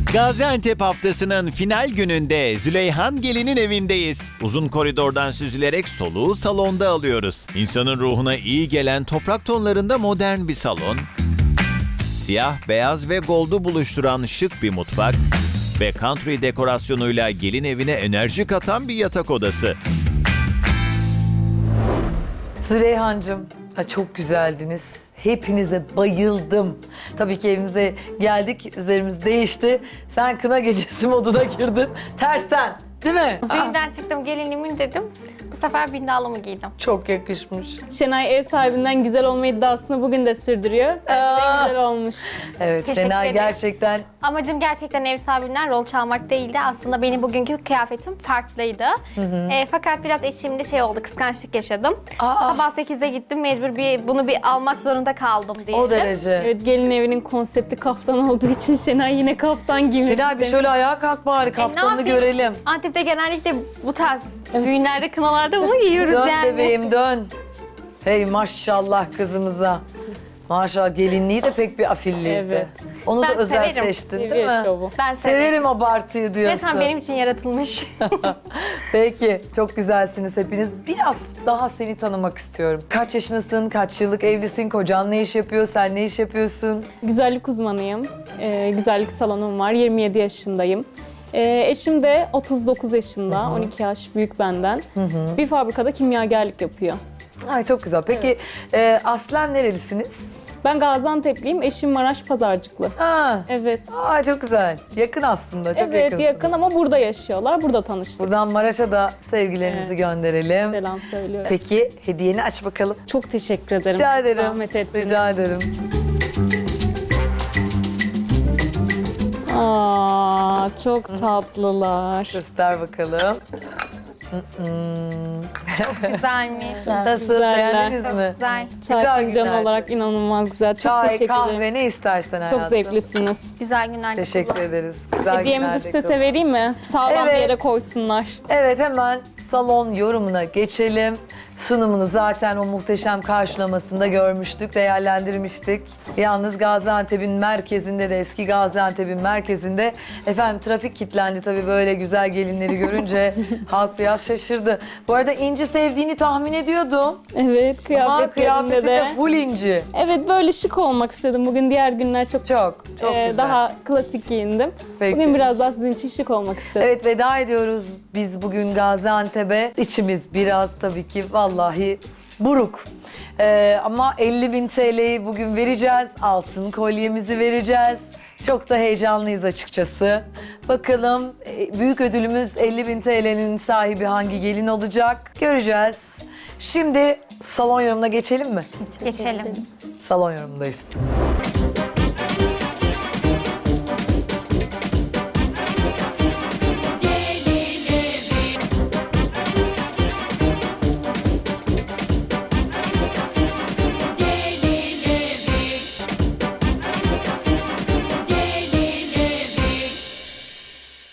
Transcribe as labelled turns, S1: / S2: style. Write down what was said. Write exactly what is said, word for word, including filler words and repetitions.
S1: Gaziantep haftasının final gününde Züleyhan Gelin'in evindeyiz. Uzun koridordan süzülerek soluğu salonda alıyoruz. İnsanın ruhuna iyi gelen toprak tonlarında modern bir salon, siyah, beyaz ve goldu buluşturan şık bir mutfak ve country dekorasyonuyla gelin evine enerji katan bir yatak odası.
S2: Züleyhancığım, çok güzeldiniz. Hepinize bayıldım. Tabii ki evimize geldik, üzerimiz değişti. Sen kına gecesi moduna girdin. Tersten, değil mi?
S3: Düğünden çıktım, gelinliğimi indirdim. Bu sefer bindallımı giydim.
S2: Çok yakışmış.
S4: Şenay ev sahibinden güzel olma iddiasını bugün de sürdürüyor.
S2: Aa.
S4: Güzel olmuş.
S2: Evet,
S3: Teşekkür
S2: Şenay
S3: ederim.
S2: gerçekten
S3: Amacım gerçekten ev sahibinden rol çalmak değildi. Aslında benim bugünkü kıyafetim farklıydı. E, fakat biraz eşimde şey oldu, kıskançlık yaşadım.
S2: Aa.
S3: Sabah sekizde gittim, mecbur bir bunu bir almak zorunda kaldım diye.
S2: o derece.
S4: Evet, gelin evinin konsepti kaftan olduğu için Şenay yine kaftan giymek
S2: Şenay bir
S4: istemiş.
S2: şöyle ayağa kalk bari, kaftanını
S3: yapayım?
S2: görelim.
S3: Antep'te genellikle bu tarz düğünlerde, kınalarda bunu giyiyoruz
S2: Dön
S3: yani.
S2: bebeğim dön. Hey maşallah kızımıza. Maşallah gelinliği de pek bir afilliydi.
S4: Evet.
S2: Onu
S3: Ben
S2: da özel
S3: severim.
S2: seçtin değil
S4: Seviyor
S2: mi?
S4: şovu.
S3: Ben severim.
S2: Severim abartıyı diyorsun.
S3: Resmen benim için yaratılmış.
S2: Peki, çok güzelsiniz hepiniz. Biraz daha seni tanımak istiyorum. Kaç yaşındasın, kaç yıllık evlisin, kocan ne iş yapıyor, sen ne iş yapıyorsun?
S4: Güzellik uzmanıyım. Ee, güzellik salonum var. yirmi yedi yaşındayım. Ee, eşim de otuz dokuz yaşında. on iki yaş büyük benden. Bir fabrikada kimyagerlik yapıyor.
S2: Ay çok güzel. Peki e, aslen nerelisiniz?
S4: Ben Gaziantep'liyim. Eşim Maraş Pazarcıklı.
S2: Ha.
S4: Evet.
S2: Aa çok güzel. Yakın aslında, çok
S4: evet
S2: yakınsınız.
S4: yakın ama burada yaşıyorlar. Burada tanıştık.
S2: Buradan Maraş'a da sevgilerimizi
S4: Evet.
S2: gönderelim.
S4: Selam söylüyorum.
S2: Peki hediyeni aç bakalım.
S4: Çok teşekkür ederim.
S2: Rica ederim.
S4: Zahmet ettiniz.
S2: Rica ederim.
S4: Aa, çok tatlılar.
S2: Göster bakalım.
S3: Güzelmiş.
S2: Nasıl,
S4: Güzeller.
S2: beğendiniz
S3: Çok
S2: mi?
S3: güzel.
S4: Çay
S2: Güzel
S4: fincanı
S2: günler.
S4: olarak inanılmaz güzel. Çok
S2: Çay,
S4: teşekkür ederim.
S2: kahve ne istersen hayatım.
S4: Çok zevklisiniz.
S3: Güzel günlerde
S2: Teşekkür
S3: kullan.
S2: ederiz. Güzel
S4: Hediyemi
S2: günlerde
S4: de size
S2: kullan.
S4: vereyim mi? Sağlam
S2: Evet.
S4: bir yere koysunlar.
S2: Evet hemen salon yorumuna geçelim. Sunumunu zaten o muhteşem karşılamasında görmüştük, değerlendirmiştik. Yalnız Gaziantep'in merkezinde de, eski Gaziantep'in merkezinde efendim trafik kilitlendi tabii böyle güzel gelinleri görünce halk biraz şaşırdı. Bu arada inci sevdiğini tahmin ediyordum.
S4: Evet,
S2: Ama
S4: kıyafetlerimde
S2: kıyafeti de
S4: de.
S2: full inci.
S4: Evet, böyle şık olmak istedim. Bugün diğer günler çok,
S2: Çok, çok
S4: e,
S2: güzel.
S4: daha klasik giyindim.
S2: Peki.
S4: Bugün biraz daha sizin için şık olmak istedim.
S2: Evet veda ediyoruz biz bugün Gaziantep'e. İçimiz biraz tabii ki vallahi buruk. Ee, ama elli bin T L'yi bugün vereceğiz. Altın kolyemizi vereceğiz. Çok da heyecanlıyız açıkçası. Bakalım e, büyük ödülümüz elli bin T L'nin sahibi hangi gelin olacak? Göreceğiz. Şimdi salon yorumuna geçelim mi?
S3: Geçelim.
S2: Salon yorumundayız.